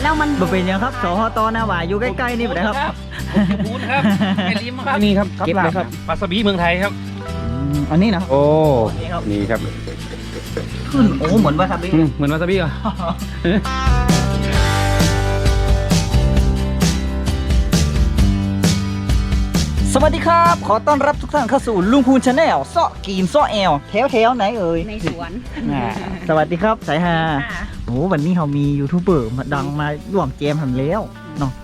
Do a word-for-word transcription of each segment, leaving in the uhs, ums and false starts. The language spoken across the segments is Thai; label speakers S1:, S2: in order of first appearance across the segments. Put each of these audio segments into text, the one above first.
S1: แล้วมัน
S2: บ่เป็นยังครับสหตหน้าหวายอยู่ใกล้ๆนี่บ่ได้ครับ
S3: พูดครับไอ้ลิมครับนี่ครับเก็บเลยครับปลาสบีเมืองไทยครับ
S2: อันนี้นะ
S3: โอ้นี่ครับ
S2: ขึ้นโอ้เหมือนวาซาบิ
S3: เหมือนวาซาบิอ่ะ
S2: สวัสดีครับขอต้อนรับทุกท่านเข้าสู่ลุงพูนชาแนลเซาะกีนเซาะแอลแถวแถวไหนเอ่ย
S1: ในสวน
S2: สวัสดีครับสายฮาโอ้วันนี้เรามียูทูบเบอร์มาดังมาร่วมเกมทำแล้วเนาะ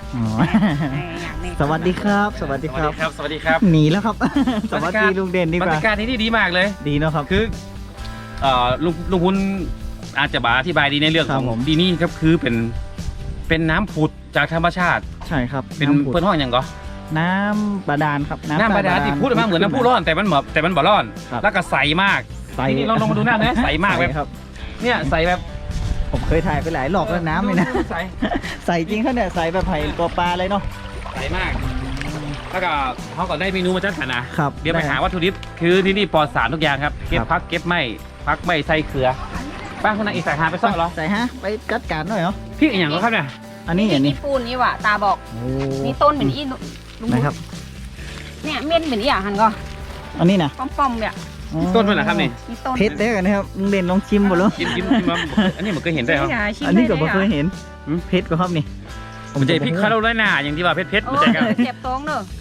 S2: สวัสดีครับสวัสดีครับ
S3: สวัสดีครับ
S2: หนีแล้วครับสวัสดีลุงเด่นดีกว่า
S3: บรรยากาศที่นี่ดีมากเลย
S2: ดีเนาะครับ
S3: คือเอ่อลุงลุงพูนอาจจะบาอธิบายดีในเรื่องของดีนี่ครับคือเป็นเป็นน้ำผุดจากธรรมชาติ
S2: ใช่ครับ
S3: เป็นเพื่อนห้องอย่างก็
S2: น้ำบาดาลครับ
S3: น้ำบาดาลที่พูดมาเหมือนน้ำพุร้อนแต่มันแบบแต่มันบ่ร้อนแล้วก็ใสมากใสนี่ลองลองมาดูหน้านะใสมากแบบเนี่ยใสแบบ
S2: ผมเคยถ่ายไปหลายหลอกแล้วน้ำเลยนะใสใสจริงเขาเนี่ยใสแบบไผ่ตัวปลาเลยเนาะ
S3: ใสมากแล้วก็เขาก็ได้เมนูมาจัดสรรนะครับเดี๋ยวไปหาวัตถุดิบคือที่นี่ปลอดสารทุกอย่างครับเก็บพักเก็บไม่พักไม่ใส่เกลือบ้านคนนั้นอีกใส่หาไปซ่อนเหรอ
S2: ใส่ฮะไปจัดการหน่อยเหรอ
S3: พี่อย่างก็ครับเนี่ย
S2: อันนี้อย่างนี้
S1: ปูนนี่ว่ะตาบอกนี่ต้นเหมือนอี
S2: นะครับ
S1: เนี่ยเม็ดเหมือนอีอย่างหันก็
S2: อันนี้นะ
S1: ป้อมๆเนี่ย
S3: ต้นมันนะครับนี่
S2: เพชรได้กันนะครับลุงเด่นลองชิมหมดแล้ว
S3: ชิมชิมชิมอันนี้มันเคยเห็นได้ครับ
S2: อันนี้ก็บ่เคยเห็นเพชรก็ครับนี่
S3: ผมจะพริกคาโรไลนาอย่างที่ว่าเพชรเพชร
S1: มันจะกันเจ็บท้องเนอะ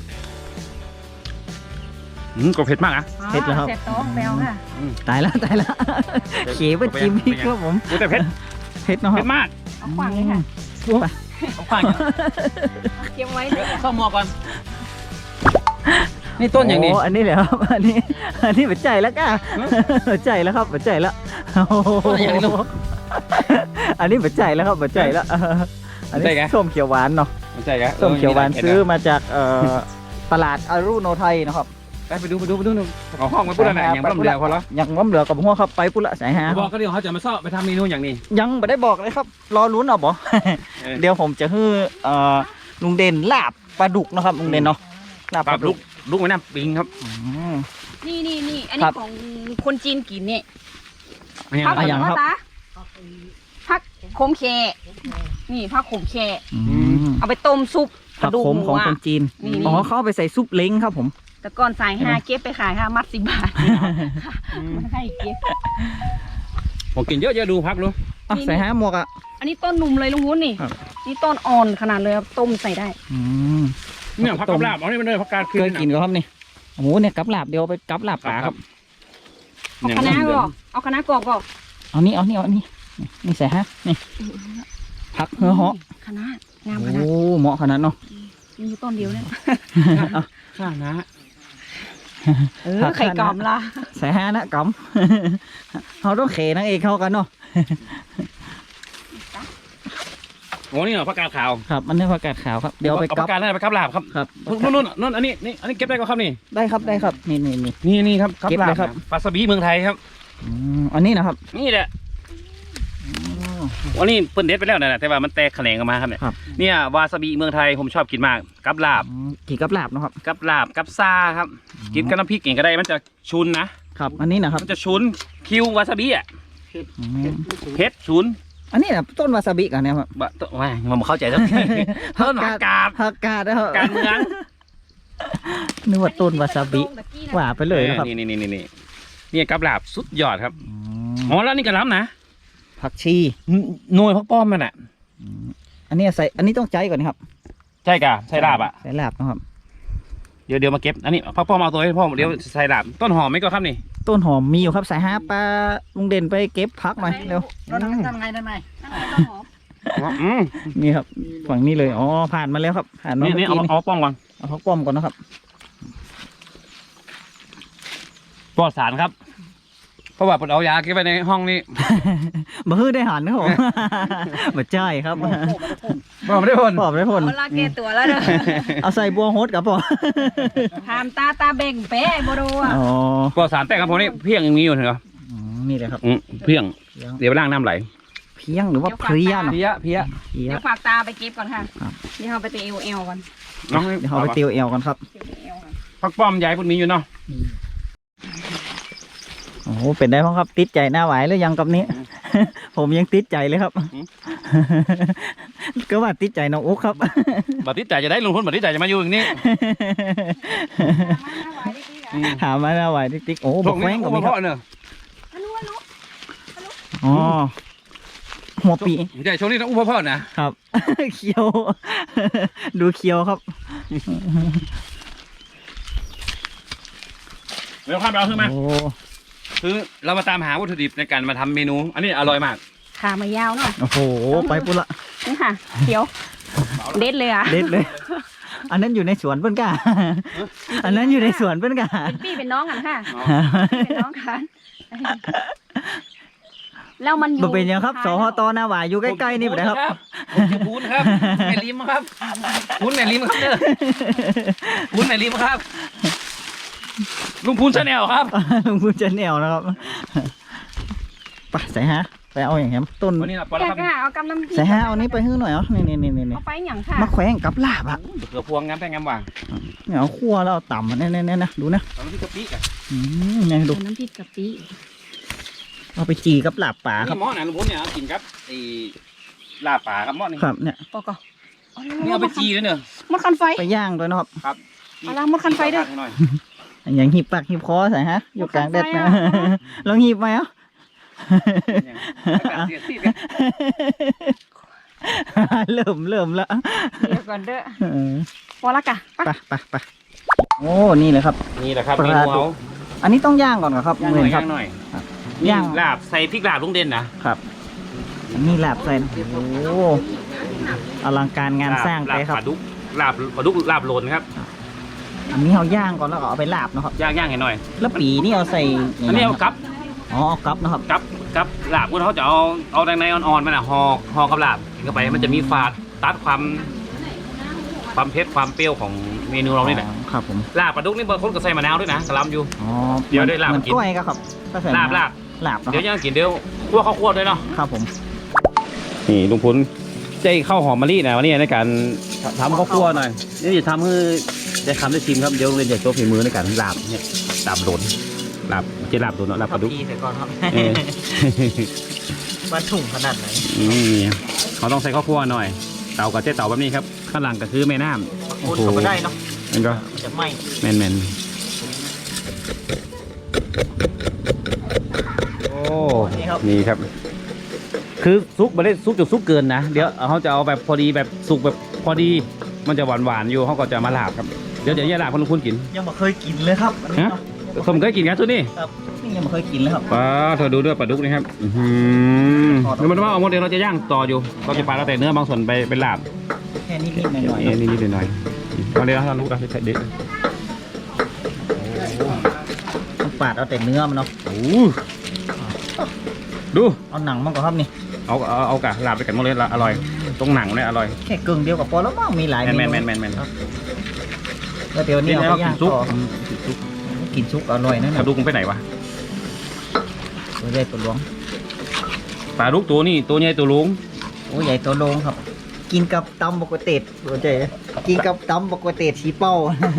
S3: อืมก็เผ็ดมากอ่ะ
S2: เผ็ดแล้วครับ
S1: เจ็บท้องแมวค่ะ
S2: ตายแล้วตายแล้วเขียวจิ้มพริกครับผม
S3: แต่เผ็ด
S2: เผ็ดเนาะ
S3: เผ็ดมาก
S1: เอาขวางเลยค่ะ
S2: ไป
S3: เอาขวาง
S1: เก็บไว้เลย
S3: เข้ามัวก่อนนี่ต้นอย่างนี้
S2: อันนี้เหรอครับอันนี้อันนี้หัวใจแล้วก้าหัวใจแล้วครับหัวใจแล้วอันนี้หัวใจแล้วครับหัวใจแล้วอันนี้ส้มเขียวหวานเนาะส้มเขียวหวานซื้อมาจากตลาดอารุโนไทยนะครับ
S3: ไปดูไปดูไปดูเอาห้องมาพูดอะไรอย่างล้มเหลือพอแล้ว
S2: อย่างล้มเหลือกับหัวครับไปพูดละสายฮา
S3: บอกก็เดี๋ยวเขาจะมาซ่อไปทำเมนูอย่างนี้
S2: ยังไม่ได้บอกเลยครับรอลุ้นเอาบ่เดี๋ยวผมจะฮื้อลุงเด่นลาบปลาดุกนะครับลุงเด่นเนาะ
S3: ลาบปลาดุกลูกไว้น้ำปิงครับ
S1: นี่นี่นี่อันนี้ของคนจีนกินเนี่ย
S2: พักอะไรครับ
S1: พักขมแค่นี่พักขมแค่เอาไปต้มซุป
S2: ผักขมของคนจีนอ๋อเขาไปใส่ซุปเล้งครับผม
S1: แต่ก่อนใส่ห้าเก็บไปขายห้ามัดสิบบาทมันให้เก็บ
S3: ผมกินเยอะเยอะดูพักรู้
S2: ใส่ห้าหมวกอ่ะ
S1: อันนี้ต้นหนุ่มเลยลุงวุ้นนี่นี่ต้นอ่อนขนาดเลยครับต้มใส่ได้
S3: เนี่ยผักกาดลาบเอาเนี่ยมันเลยผักกาด
S2: เคยกินก็ครับนี่โอ้โหเนี่ยกับลาบเดียวไปกับลาบป่าครับ
S1: เอาคณะก็เอาคณะกรอบก็
S2: เอานี่เอานี่เอานี่นี่ใส่ฮะนี่ผักเหือเหาะ
S1: คณะงามขนาด
S2: โอ้เหมาะขนาดเนาะ
S1: มีต้นเดียวเนี่ย
S3: ข้านะ
S1: เออไข่กำละ
S2: ใส่ฮะนะกำเขาต้องเขนั่งเองเข้ากันเนาะ
S3: โอ้นี่เหรอผักกาดขาว
S2: ครับมันนี่ผักกาดขาวครับเดี๋ยวไป
S3: กับผักกาดนั่นไปกับลาบครับ
S2: ครับ
S3: นู่นนู่นนู่นอันนี้นี่อันนี้เก็บได้ก็ครับนี่
S2: ได้ครับได้ครับนี่นี่นี่
S3: นี่นี่ครับเก็บได้ครับปลาสบีเมืองไทยครับ
S2: อันนี้นะครับ
S3: นี่แหละวันนี้เปิ้ลเด็ดไปแล้วนะแต่ว่ามันแตกแขนงออกมาครับเนี่ยเนี่ยวาซาบิเมืองไทยผมชอบกินมากกับลาบ
S2: กินกับลาบนะครับ
S3: กับลาบกับซาครับกินกับน้ำพริกเองก็ได้มันจะชุนนะครับ
S2: อันนี้นะครับ
S3: มันจะชุนคิววาซาบิอ่ะเผ็ดชุน
S2: อันนี้นะต้นวาซาบิกันเนี่ยครับ
S3: บะต้นว่ามันเข้าใจแล้วต้นผักกาด
S2: ผักกาดนะครับ
S3: การเมือง
S2: นึกว่าต้นวาซาบิหวานไปเลยนะครับ
S3: นี่นี่นี่นี่นี่กับลาบสุดยอดครับอ๋อแล้วนี่กระล้ำนะ
S2: ผักชี
S3: หน่วยพักป้อมมันอ่ะ
S2: อันนี้ใส่อันนี้ต้องใจก่อนนะครับ
S3: ใช่กะใส่ลาบอ่ะ
S2: ใส่ลาบนะครับ
S3: เดี๋ยวเดี๋ยวมาเก็บอันนี้พักป้อมเอาตัวให้พ่อเดี๋ยวใส่ลาบต้นหอมไหมก็ครับนี่
S2: ต้นหอมมีอยู่ครับสายฮาปลาลุงเด่นไปเก็บพักหน่อยเร็ว
S1: ทำไงทำไงต้นหอ
S2: มนี่ครับฝั่งนี้เลยอ๋อผ่านมาแล้วครับผ่านมา
S3: นี่เอาเอาป้อมก่อน
S2: เอาพักป้อมก่อนนะครับ
S3: ปลอดสารครับเพราะว่าผมเอายาเก็บไว้ในห้องนี้
S2: มาฮื้อได้หันนะผมมาใช่ครับ
S3: บอกไม่ได้ผล
S2: บอกไม่ได้ผล
S1: เวลาแก้ตัวแล้วเด้อ
S2: เอาใส่บัวโฮดกับพ่อ
S1: ทำตาตาเบ่งเป๊ะโบโดอ่ะ
S3: ปลอดสารแต่ครับผมนี่เพียงอย่างนี้อยู่เหรอ
S2: นี่เลยครับ
S3: เพียงเดี๋ยวไปล้างน้ำไหล
S2: เพียงหรือว่าเพลีย
S3: เพียเพีย
S1: เดี๋ยวฝากตาไปเก็บก่อนค่ะเดี๋ยวเราไปตีเอลเอลก่อน
S2: เดี๋ยวเราไปตีเอลก่อนครับ
S3: พักป้อมใหญ่พวกนี้อยู่เนาะ
S2: โอ้เป็นได้พ้องครับติดใจหน้าไหวหรือยังกับนี้ผมยังติดใจเลยครับก็ว่าติดใจน้องอุ๊กครับ
S3: บัตรที่จ่ายจะได้ลงทุนบัตรที่จ่ายจะมาอยู่อย่างนี้
S2: หามาแล้วไหวติ๊กติ๊กโอ้บอกแว้งก็มีครับ
S3: เนอะ
S2: อ๋อหัวปี
S3: ใช่ช่วงนี้ต้องอุ้มพ่อๆนะครับ
S2: เคี้ยว ดูเคี้ยวครับ
S3: เดี๋ยวข้ามไปเอาขึ้นมา
S2: โอ้
S3: คือเรามาตามหาวัตถุดิบในการมาทำเมนู อันนี้อร่อยมาก
S1: ขามายาวหน่อย
S2: โอ้โหไปปุ๊ละ
S1: นี่ค่ะเขียวเด็ดเลยอ่ะ
S2: เด็ดเลย อันนั้นอยู่ในสวนเพื่อนกะอันนั้นอยู่ในสวนเพื่อนกะ
S1: เป็นพี่เป็นน้องกันค่ะพี่เป็นน้องกันแล้วมันอยู่
S2: บ่เป็นยังครับสหตหน้าหวายอยู่ใกล้ๆนี่ไปเลยครับ
S3: ผมชื่อพูนครับแม่ลิมครับพูนแม่ลิมครับเด้อพูนแม่ลิมครับลุงพูนชาแนลครับ
S2: ลุงพูนจะแนวนะครับไปใส่ฮะไปเอาอย่างเงี้ยต้น
S3: วันนี้เราปลา
S1: แก
S3: ครับ
S1: ค่ะเอากำลัง
S2: ใส่ฮะเอานี้ไปให้หน่อยเหรอนี่นี่นี่นี่
S1: เอาไปอย่างค่ะ
S2: มาแขวงกับลาบอ่ะ
S3: เขือพวงงามแต่งามว่าง
S2: เนี่ยเอาคั่วแล้วเอาต่ำเนี่ยเนี่ยนะดูนะ
S3: ตอนนี้กะปิอ่ะ
S2: อืมเนี่ยดู
S1: น้ำพริกกะปิ
S2: เอาไปจีกับลาบป่าครับ
S3: นี่หม้อนะลุงพูนเนี่ยกินครับไอ้ลาบป่าครับหม้อนี่
S2: ครับเนี่ย
S1: ปอกก่อน
S3: นี่เอาไปจีเลยเนอะ
S1: มดคันไฟ
S2: ไปย่างด้วยนะครับ
S3: ครับ
S1: เอาละมดคันไฟด้วย
S3: หน่อย
S2: อย่างหีบปากหีบคอใส่ฮะอยู่กลางแดดนะ
S1: หมดคันไฟอ่ะ
S2: ลองหีบไหมเอ่ะ เริ่มเริ่มแล้ว
S1: เดี๋ยวก่อนเด้อ
S2: เออ
S1: พอละกะ
S2: ไปไปไปโอ้นี่เลยครับ
S3: นี่แหละครับ
S2: ปลา
S3: เมนูเอา
S2: อันนี้ต้องย่างก่อนเหรอครับ
S3: ย่าง
S2: เห
S3: ห
S2: มื
S3: น่
S2: อ
S3: อย
S2: นครั
S3: ย่า
S2: บ
S3: งหน่อย
S2: ย่าง
S3: นี่ลาบใส่พริกลาบลุงเด่นนะครับ
S2: อันนี้ลาบใส่โอ้โหอลังการงานสร้างไปครับ
S3: ลาบปลาดุกลาบปลาดุกลาบโลนครับ
S2: อันนี้เอาย่างก่อนแล้วก็เอาไปลาบเนาะครับ
S3: ย่างย่างให้หน่อย
S2: แล้วปีนี่เอาใส่
S3: อันนี้เอากับ
S2: อ๋อเอากับนะครับ
S3: กับกับลาบพวกเขาจะเอาเอาแดงในอ่อนๆมันอ่ะห่อห่อกับลาบกินเข้าไปมันจะมีฝาดตัดความความเผ็ดความเปรี้ยวของเมนูเรานี่แหละ
S2: ครับผม
S3: ลาบปลาดุกนี่บางคนก็ใส่มะนาวด้วยนะกระลำอยู่
S2: อ๋อ
S3: เดี๋ยวได้ลาบ
S2: เหมือน
S3: กิน
S2: กล้วยก็ครับก็ใส่
S3: ลาบลาบ
S2: ลาบเนาะ
S3: เดี๋ยวย่างกินเดี๋ยวคั่วข้าวคั่วด้วยเนาะ
S2: ครับผม
S3: นี่ลุงพุนใจข้าวหอมมะลินะวันนี้ในการทำข้าวคั่วหน่อยนี่จะทำให้ได้ทำได้ชิมครับเดี๋ยวเรียนจะโชว์ฝีมือในการลาบเนี่ยลาบโดนลาบเจลาบโดนเนาะลาบปลาดุก
S2: ใส่ก่อนครับ
S3: เออ
S2: มันถุงขนาดไหน
S3: อืมเขาต้องใส่ข้าวคั่วหน่อย เตากับเจ๊เตาแบบนี้ครับข้างหลังก็คือแม่น้ำ
S2: คนก็ไม่ได้เนาะ
S3: มันก็
S2: จะไหม้
S3: แมนแมนโอ้
S2: นี่ครับ
S3: นี่ครับ คือซุปไม่ได้ซุปจนซุปเกินนะเดี๋ยวเขาจะเอาแบบพอดีแบบสุกแบบพอดีมันจะหวานหวานๆอยู่เขาก็จะมาลาบครับเดี๋ยวเดี๋ยวอย่าลาบคนลุงคุณกิน
S2: ยังไม่เคยกินเลยครับอันนี้
S3: ฮะ
S2: เนาะ
S3: ผมเคยกินกันทุกนี่
S2: ครับนี่ยังไม่เคยกินเลยครับ
S3: ปลาเธอดูด้วยปลาดุกนี่ครับอือหือเดี๋ยวมันว่าเอาหมดเดี๋ยวเราจะย่างต่ออยู่เราจะปลาเราแต่เนื้อบางส่วนไปเป็นลาบ
S2: แค่นิดๆหน่อยๆ
S3: เอ้ย
S2: เนาะ
S3: นิดๆหน่อยๆเอาเลยนะเราลูกนะใส่เด็ด
S2: ต้องปาดเอาแต่เนื้อมันเนาะ
S3: โอ้ดู
S2: เอาหนังมันก่อนครับนี่
S3: เอาเอาเอากะลาบไปกันหมดเลยละอร่อยตรงหนังเนี่ยอร่อย
S2: แค่กึ่งเดียวกับพอแล้วมั้งมีหลาย
S3: แม
S2: เม
S3: น
S2: นู
S3: แมนแมนแมนแมน
S2: แล้วเดี๋ยวนี้เอาไปย่าง
S3: ซุป
S2: ต่อกินซุปอร่อยนะ
S3: ป
S2: เนี่ย
S3: ลาดุกมันไปไหนวะ
S2: ตัวใหญ่ตัวหลวง
S3: ปลาดุกตัวนี้ตัวใหญ่ตัวลุง
S2: โอ้ใหญ่ตัวโลงครับ กินกับตำบกเตดตัวใจกินกับตำบกเตดสีเป้า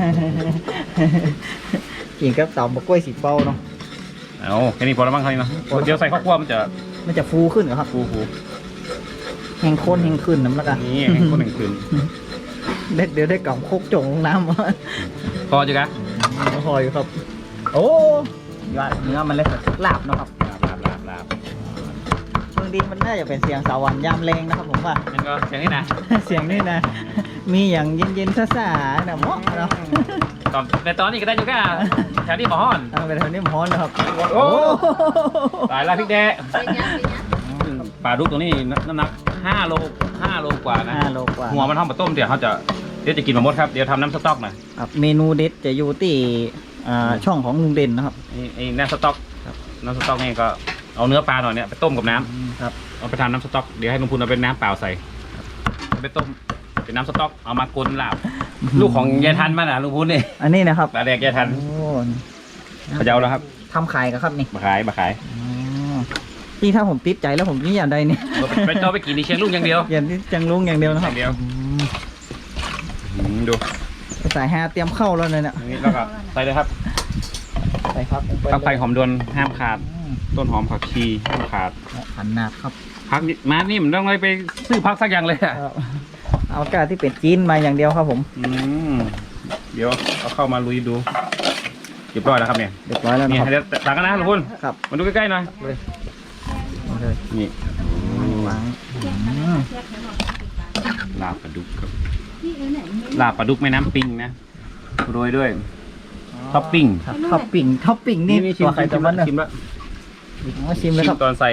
S2: กินกับตำบกกล้วยสีเป้าเนาะ
S3: เอาแค่นี้พอแล้วมั้งครับเนาะเดี๋ยวใส่ข้าวคั่วมันจะ
S2: มันจะฟูขึ้นเหรอครับ
S3: ฟูฟู
S2: แห้งข้นแห้งขึ้นน้ำละกัน
S3: นี่ให้คนหนึ่งคืน
S2: เด็ดเดี๋ยวได้กล่องโคกจงลงน้ำ
S3: พอจ้ะกะ
S2: พออยู่ครับ โอ้ยอดเนื้อมันเลยลาบเนาะครับ
S3: ลาบลาบลาบลาบ
S2: เมืองดินมันน่าจะเป็นเสียงสวรรค์ยามแรงนะครับผมว่า
S3: นั่นก็อย่างนี้นะ
S2: เสียงนี่นะ มีอย่างเย็นๆซ่าๆนะเหมาะเนาะ
S3: ตอนในตอนนี้ก็ได้อยู่กะแถวนี้หมอฮ้อน
S2: เอาไปทำนี่ฮ้อนนะครับ
S3: โอ้ตายแล้วพริกแดงปลาดุกตัวนี้น้ำหนักห้าโลห้าโลกว่านะ
S2: ห้าโลกว่า
S3: หัวมันทำมาต้มเดี๋ยวเขาจะเดี๋ยวจะกินมาหมดครับเดี๋ยวทำน้ำสต๊อกหน่อย
S2: ครับเมนูเด็ดจะอยู่ที่อ่าช่องของลุงเด่นนะครับ
S3: นี่ไอ้น้ำสต๊อกน้ำสต๊อกนี่ก็เอาเนื้อปลาหน่อยเนี่ยไปต้มกับน้ำ
S2: ครับ
S3: เอาไปทำน้ำสต๊อกเดี๋ยวให้ลุงพูนเอาเป็นน้ำเปล่าใส่เอาไปต้มเป็นน้ำสต๊อกเอามากลนลาบลูกของยายทันมาน่ะลุงพูนนี่
S2: อันนี้นะครับ
S3: ปลาแดกยายทัน
S2: โอ้
S3: เขาจะเอาแล้วครับ
S2: ทำขายกันครับนี่
S3: มาขายมาขาย
S2: อ๋อที่ถ้าผมติดใจแล้วผมนี่อย่างใดเนี่ย
S3: เอาไปไปต่อไปกินในเชียงลุงอย่างเดียว
S2: อย่างที่จังลุงอย่างเดียวนะ
S3: อ
S2: ครับ
S3: ย่างเดียว
S2: อืม
S3: อืมดู
S2: สายฮาเตรียมเข้าแล้วเลยเนี่ย
S3: อันนี้แล้วก็ใส่เลยครับ
S2: ใส่ครับลงไป
S3: ผักไฟหอมดวนห้ามขาด
S2: อืม
S3: ต้นหอมผักชีห้ามขาด
S2: เหมาะขนาดครับ
S3: พักนี่มานี่มันต้องไปซื้อพักสักอย่างเลยอะ
S2: ครับเอากาที่เป็นจีนมาอย่างเดียวครับผม
S3: อืมเดี๋ยวเอาเข้ามาลุยดูเรียบร้อยแล้วครับเนี่ย
S2: เรียบร้อยแล้ว
S3: นี่
S2: นะครับ
S3: เดี๋ยวตักกันนะทุกคน
S2: ครับ
S3: มาดูใกล้ๆหน่อย
S2: เอาเลย
S3: นี่
S2: วางอืม
S3: ลาบปลาดุกครับลาบปลาดุกแม่น้ำปิงนะโรยด้วยท็อปปิ้ง
S2: ครับท็อปปิ้งท็อปปิ้งนี่
S3: นี่ชิม
S2: ตัวใครตัวมัน
S3: ชิมแล้ว
S2: อ๋อชิมเลย
S3: ชิ
S2: ค
S3: ม
S2: รับ
S3: ตอนใส่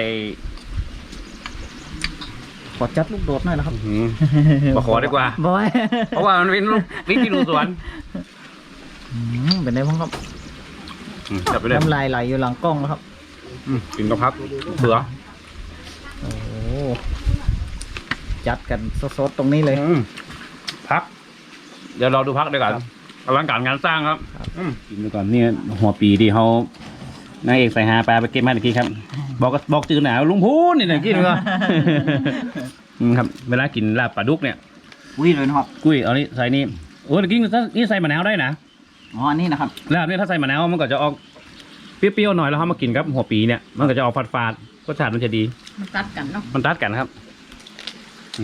S2: ขอจัดลูกโดดหน่อยนะครับ
S3: หืมมาขอดีกว่า
S2: บอย
S3: เพราะว่ามันเป็นลูกพริกที่ดูสวน
S2: อืมเป็นไงบ้างครับ
S3: อืมจับไปเลย
S2: น้ำลายไหลอยู่หลังกล้องแล้วครับ
S3: อืมกินกระพักเสือ
S2: โอ้โหจัดกันสดๆตรงนี้เลย
S3: อืมพัก เดี๋ยวเราดูพักดีกว่า
S2: ครับ
S3: อลังการงานสร้างครับ
S2: ครับ
S3: อืมกินดูก่อนนี่หัวปีที่เขานางเอกใส่หาปลาไปเก็บมาตะกี้ครับ บอกก็บอกจืดหนาวลุงพูนนี่นะกินก่อน อืมครับ เวลากินลาบปลาดุกเนี่ย
S2: อุ้ยเลยนะครับ
S3: กุ้ยเอานี่ใส่นี่โอ้ตะกี้นี่ใส่มะนาวได้นะ
S2: อ๋ออันนี้นะครับ
S3: ลาบเนี่ยถ้าใส่มะนาวมันก็จะออกเปรี้ยวๆหน่อยแล้วเขามากินกับหัวปีเนี่ยมันก็จะออกฝาดๆรสชาติมันจะดี
S1: มันตัดกันเนาะ
S3: มันตัดกันครับอืม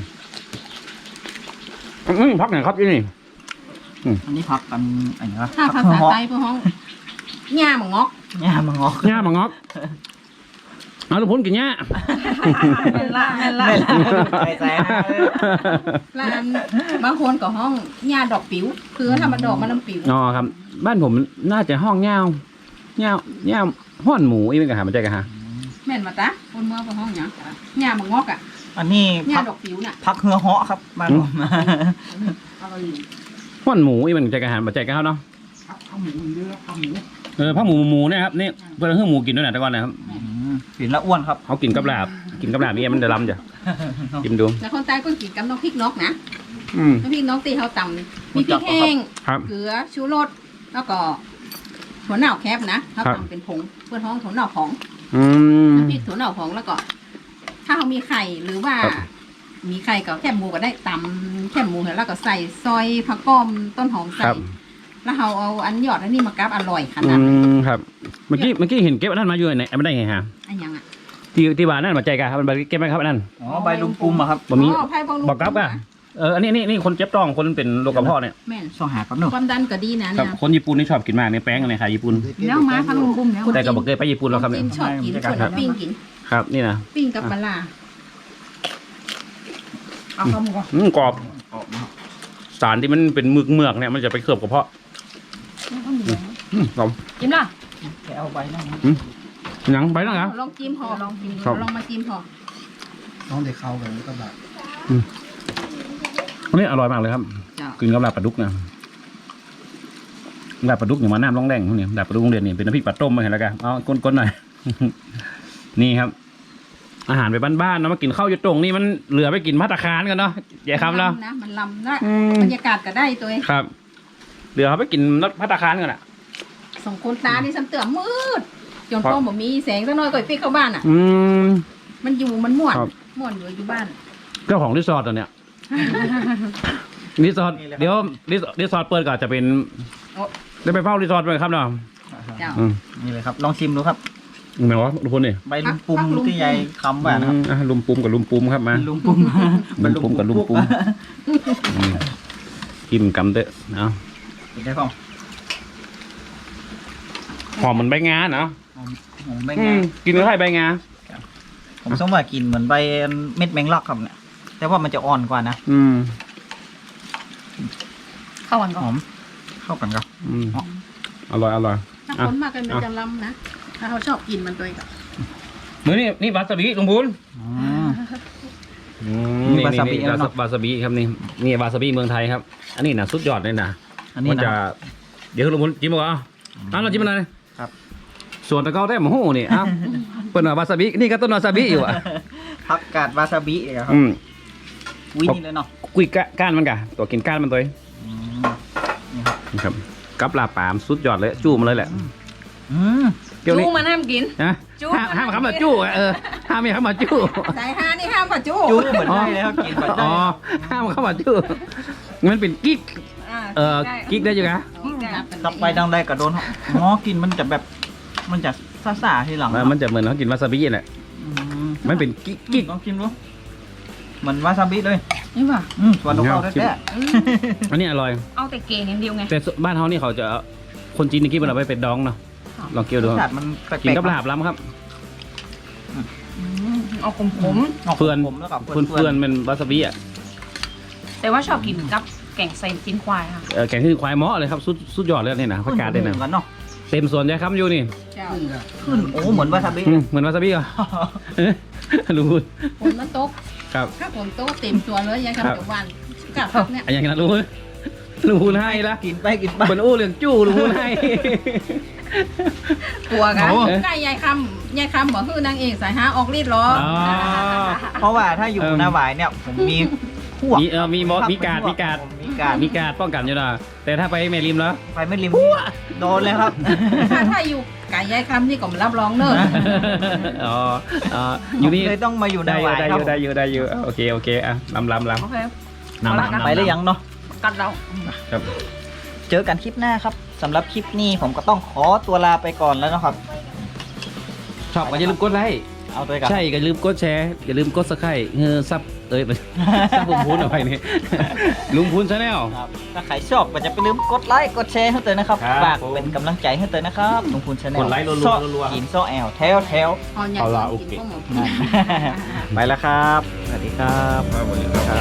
S3: อืมพักหน่อยครับที่นี่
S2: อันนี้พักกันอันนี้วะ
S1: ถ้าภาษา
S2: เหาะ
S1: ไทยพวกห้องหญ้าหมองอก
S2: เนี่ยมังงอก
S3: หญ้ามางอกเอาลูกพ้นกินหญ้า
S1: แม่นละแม่นละ
S2: ไม่ละไม่ใส่ฮะ
S1: แล้วอันบางคนก็ห้องหญ้าดอกปิ๋วคือถ้ามันดอกมันน้ำปิ๋ว
S3: อ๋อครับ บ้านผมน่าจะห้องเงาเงาเงาห้อนหมูอีกเป็นกะหามันใจกะหา
S1: แม่นมาตะคนเมื่อพวกห้องหยังหญ้าหมองอกอ่ะ
S2: อันนี้
S1: หญ้า
S2: พัก
S1: ดอกปิ๋วน่ะ
S2: พักเหือเหาะครับบ้านผม
S1: เอาไป
S3: ห้อนหมูอีกเป็นใจกะหามันใจกะเขาเนาะ
S1: เอาหมูเยอะเอาหมู
S3: เออผ้าหมูหมูเนี่ยครับนี่เพื่อนเพื่อหมูกินด้วยนะแต่ก่อนนะครับ
S2: อืมกลิ่นละอ้วนครับ
S3: เขากินกับลาบกินกับลาบนี่มันจะล้ำจ้ะกินดู
S1: แล้วคนใต้ก็กินกับน้ำพริกนกนะ
S3: อืม
S1: น้ำพริกนกตีเขาตำมีพริกแห้ง
S3: ครับ
S1: เกลือชูรสแล้วก็ถั่วเน่าแคบนะเขา
S3: ครับ
S1: ทำเป็นผงเพื่อท้องถั่วเน่าผง
S3: อืม
S1: น้ำพริกถั่วเน่าผงแล้วก็ ถ้าเขามีไข่หรือว่า
S3: ครับ
S1: มีไข่กับแคบหมูก็ได้ตำแคบหมูแล้วก็ใส่ซอยผักก้อมต้นหอม
S3: ค
S1: ใส่
S3: รับ
S1: แล้วเราเอาอันยอดอันนี้มากับอร่อยข
S3: อื
S1: นาดนั้น
S3: มครับเมื่อกี้เมื่อกี้เห็นเก็บอันนั้นมาอยู่ไหนไม่ได้ไงฮะ
S1: อันยังอ่ะ
S3: ที่ที่บ้านนั่นมาใจกะครับมันเก็บไหมครับอันนั้น
S2: อ๋อใบลุงปุมอะครับ
S3: บ่มี
S1: อ๋อไผ่บางลู
S3: บอกกับอ่ะเอออันนี้นี่นี่คนเจ็บต้องคนเป็นโรคกระเพาะเนี่ย
S1: แม่น
S2: ส่องหาครับเนอะ
S1: ความดันก็ดีนะ
S3: ครั
S1: เนี่
S3: บ
S1: ย
S3: คนญี่ปุ่นนี่ชอบกินมากในแป้งในขายญี่ปุ่น
S1: แล้วมาพังลุงบุ้มแล้ว
S3: แต่ก็บอกเคยไปญี่ปุ่นแล้วครับ
S1: ค
S3: เนี่ย
S1: นจีนชอบกินส่วนเอาปิ้งกิน
S3: ครับนี่นะ
S1: ปิ้งกับปลาร้าเอาข้าวหมูก่อน
S3: อืมกรอบสารที่มันเป็นมึกเมือกเนี่ยมันจะไปเคลือบกระเพาะอืมกรอบ
S1: จิ้มล่ะ
S2: แกเอาใบนั่งนะ
S3: หยังไปแล้วเหรอ
S1: ลองจิ้มพอลองจิ้ม
S3: ครับ
S1: ลองมาจิ้มพอ
S4: น้องเด็กเข้ากันก็แบบ
S3: อันนี้อร่อยมากเลยครับ
S1: เจ้า
S3: กินกับลาบปลาดุกนะลาบปลาดุกอย่างมาน้ำร้องแรงพวกนี้ลาบปลาดุกโรงเรียนนี่เป็นน้ำพริกปลาต้มมาเห็นแล้วกันเอาก้นๆหน่อย นี่ครับ อาหารไปบ้านๆเนาะมากินข้าวอยู่ตรงนี่มันเหลือไปกินภัตตาคารกันเนาะอย่าคำเนาะ
S1: นะมันลำนะ
S3: อืม
S1: บรรยากาศก็ได้ตัวเอง
S3: ครับเหลือเขาไปกินรถภัตตาคารกันอ่ะ
S1: สองคนตานี่ซ้ำเตือมืดจนพ่อบอกมีแสงสักหน่อยก็ไปปิกเข้าบ้านอ่ะ
S3: อืม
S1: มันอยู่มันม่วน
S3: ครับ
S1: ม่วนอยู่อยู่บ้าน
S3: เจ้าของรีสอร์ทตัวเนี้ย รีสอร์ทเดี๋ยวรีสอร์ทรีสอร์ทเปิดก็อาจจะเป็น
S1: โอ้
S3: ได้ไปเฝ้ารีสอร์ทไปครับเนาะ
S1: เจ้า
S3: อืม
S2: นี่เลยครับ ลองชิมดูครับ
S3: เหมือนว่าทุกคนนี่
S2: ใบลุงปุมที่ยายคำว่านะครับ
S3: อืมอ่ะลุมปุมกับลุมปุมครับมา
S2: ลุงปุม
S3: ลุมปุมกับลุมปุมอืมกินกำเตอะเนาะ
S2: กินได้ป่ะ
S3: หอมเหมือนใบงาเนาะ
S2: ผมไม่
S3: อื
S2: ง่าม
S3: กินกับไข่ใบงา
S2: ผมสมว่ากินเหมือนใบเม็ดแมงลักครับเนี่ย แต่ว่ามันจะอ่อนกว่านะ
S3: อืม
S1: เข้าวัน
S2: ห
S1: ก่อ
S2: อน มเข้ากันครับ
S3: อืมอร่อยอร่อย
S1: ถ้าคนมากันมันจะลำนะถ้าเขาชอบกินมันตัวเองก็
S3: เมื่อนี่นี่วาซาบิลุงพูน
S2: อืม
S3: อื
S2: นี่วาซาบิ
S3: นี่
S2: แล้วเนอะ
S3: วาซาบิครับนี่นี่วาซาบิเมืองไทยครับ อันนี้นะสุดยอดเลยนะ
S2: อันนี้
S3: มัน
S2: นะ
S3: จะเดี๋ยวลุงพูนจิ้มบอกเอาเอาเราจิ้มอะไร
S2: ครับ
S3: ส่วนตะเกาได้หมูนี่อ้าวเปิดหน่อยวาซาบินี่ก็ต้นวาซาบิอยู่อ่ะ
S2: ผักกาดวาซาบิเหรอครับ
S3: อืม
S2: วินี่เลยเนาะ
S3: กุยกะก้านมันกะตัวกินก้านมันตัวเอง
S2: อืมนี่ครับ
S3: นะครับกับลาปามสุดยอดเลยจู้มาเลยแหละ
S2: อืม
S3: เดี๋ยวนี้
S1: จู้มันห้ามกิน
S3: นะ
S1: จู้
S3: ห้ามห้ามคำว่าจู้อะเออห้ามไม่คำว่าจู้
S1: สายฮานี่ห้ามป่ะจู้
S2: จู้เหมือนได้เลยครับกินเหมือนได้
S3: อ๋อห้ามคำว่าจู้มันเป็นกิ๊ก
S1: า
S3: เออกิ๊กได้อยู่นะ
S1: กิ๊กได้
S2: กลับไปดังได้กับโดนหมอกินมันจะแบบ มันจะซ่าๆทีหลัง
S3: เออมันจะเหมือนเขากินวาซาบิแหละ
S2: อืม
S3: มันเป็นกิ๊กกิ๊ก
S2: ลองชิมดูเหมือนวาซาบิเลย
S1: นี่ป่ะ
S2: อืมสวนของเราแท้
S3: อันนี้อร่อย
S1: เอาแต่เกงอย่างเดียวไง
S3: แต่บ้านเขานี่เขาจะคนจีนนี่กินมันเอาไปเป็นดองเนาะลองเกี่ยว
S2: ๆ
S3: ดู
S2: รสชาติมันแปลกๆ
S3: กินกับลาบล้ำครับ
S1: อืมเอาขมขม
S2: ออก
S3: เพื่อน
S2: ขมๆแล้วก็
S3: เพื่อนเพื่อนเป็นวาซาบิอ่ะ
S1: ๆแต่ว่าชอบกินกับแกงใส่ตีนควายค่ะ
S3: เออแกงขึ้นควายเหมาะเลยครับสุดสุดยอดเลยเนี่ยนะผักกาดเลยนะ
S2: หมือกันเนาะ
S3: เต็มสวนยายคำอยู่นี่
S1: เจ้า
S2: ขึ้นโอ้เหมือนวาซาบิ
S3: อืมเหมือนวาซาบิเหรอเอ๊ะรู้
S5: ฝนมันตก
S3: ครับ
S5: ถ้าฝนตกเต็มตัวเลยยัง
S3: ครับ
S5: ทำจากวันกับพักเนี่ย
S3: อันอย่างนั้นรู้รู้ให้ละ
S2: กินไปกินไป
S3: เหมือนอู้เรื่องจู้รู้ให้
S1: ตัวกัน
S3: โอ้
S5: ใกล้ยายคำยายคำบอกคือนางเอกสายหาออกฤทธิ์หรอ
S3: อ๋อ
S2: เพราะว่าถ้าอยู่
S3: เอิ่ม
S2: หน้าหวายเนี่ยผมมีพวก
S3: มีเออมีมอสมีการดมีการด
S2: มีการด
S3: มีการดป้องกันอยู่นะแต่ถ้าไปแม่ริมแล้ว
S2: ไปไม่ริมโดนเลยครับ
S5: ถ้าถ้าอยู่ไก่ยายคำนี่ก็รับรองเนอะ
S3: อ๋ออ๋ออยู่นี่
S2: เลยต้องมาอยู่ห
S3: ได้
S2: น้า
S3: อ
S2: ห
S3: ยู่
S2: วาย
S3: ได้
S2: ค
S3: อ
S2: รับ
S3: ยู่ได้อยู่ได้อยู่โอเคโอเคอ่ะลำลำลำ
S1: โอเค
S3: นำนำนำ
S2: ไปหรือยังเนาะ
S1: กัดเรา
S3: ครับ
S2: เจอกันคลิปหน้าครับสำหรับคลิปนี้ผมก็ต้องขอตัวลาไปก่อนแล้วนะครับ
S3: ชอบก็อย่าลืมกดไลค์
S2: เอาตัวกับ
S3: ใช่อย่าลืมกดแชร์อย่าลืมกดซับสไครต์เออซับเอ้ย ซับลุงพูนเอาไปนี่ ลุงพูนชาแนล
S2: ครับถ้าใครชอบก็จะไปลืมกดไลค์กดแชร์ให้เตยนะครับ
S3: ครับ
S2: ฝากเป็นกำลังใจให้เตยนะครับลุงพูนชาแนล
S3: กดไลค์รัวๆ
S2: ซ่อ
S3: รัวๆ
S2: หินซ่อแอลแถวแถว
S5: เอายาย
S3: เอาละ
S5: คำ
S3: โอ
S5: กิน
S3: เค
S5: พวกหมด
S2: ไปแล้วครับ สวัสดีครับ
S3: ครับสวัสดีครับ